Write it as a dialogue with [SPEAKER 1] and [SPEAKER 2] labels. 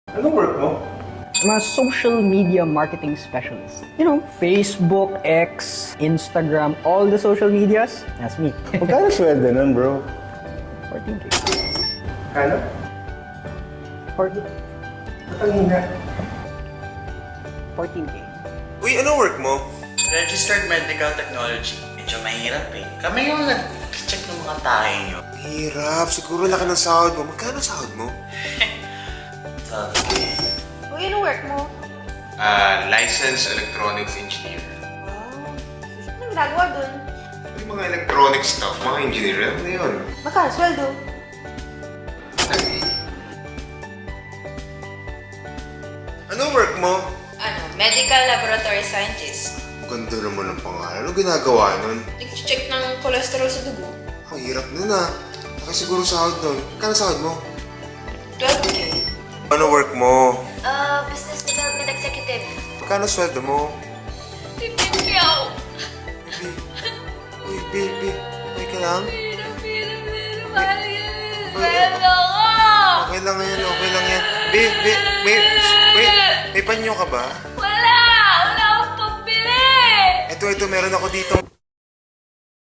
[SPEAKER 1] Anong work mo?
[SPEAKER 2] I'm a social media marketing specialist. You know, Facebook, X, Instagram, all the social medias. That's me.
[SPEAKER 1] Magkano sweldo nun, bro?
[SPEAKER 2] 14K.
[SPEAKER 1] Kano?
[SPEAKER 2] 40.
[SPEAKER 1] Ang hina.
[SPEAKER 2] 14K.
[SPEAKER 3] Uy, anong work mo?
[SPEAKER 4] Registered Medical Technology. Medyo mahirap eh. Kami yung nag-check ng mga tayo nyo.
[SPEAKER 3] Hirap. Siguro laki ng sahod mo. Magkano sahod mo?
[SPEAKER 4] Sabi,
[SPEAKER 5] Uy, ano work mo?
[SPEAKER 3] Licensed electronics engineer.
[SPEAKER 5] Wow. Anong ginagawa dun?
[SPEAKER 3] Yung mga electronic stuff, mga engineer, ano na yun?
[SPEAKER 5] Magkano sweldo?
[SPEAKER 3] Anong work mo?
[SPEAKER 5] Ano, medical laboratory scientist.
[SPEAKER 3] Ganda naman ng pangalan. Ano ginagawa nun?
[SPEAKER 5] Nag-check ng cholesterol sa dugo.
[SPEAKER 3] Ang hirap nun ah. Laki siguro sahod nun. Magkano sahod mo?
[SPEAKER 5] 12K.
[SPEAKER 3] Ano work mo?
[SPEAKER 5] Business development executive.
[SPEAKER 3] Magkano sweldo mo?
[SPEAKER 5] 15K.
[SPEAKER 3] Uy, baby. Okay ka lang?
[SPEAKER 5] Mahal yan.
[SPEAKER 3] Uy, okay lang yan, okay lang yan. May panyo ka ba?
[SPEAKER 5] Wala! Wala akong pambili!
[SPEAKER 3] Ito, meron ako dito.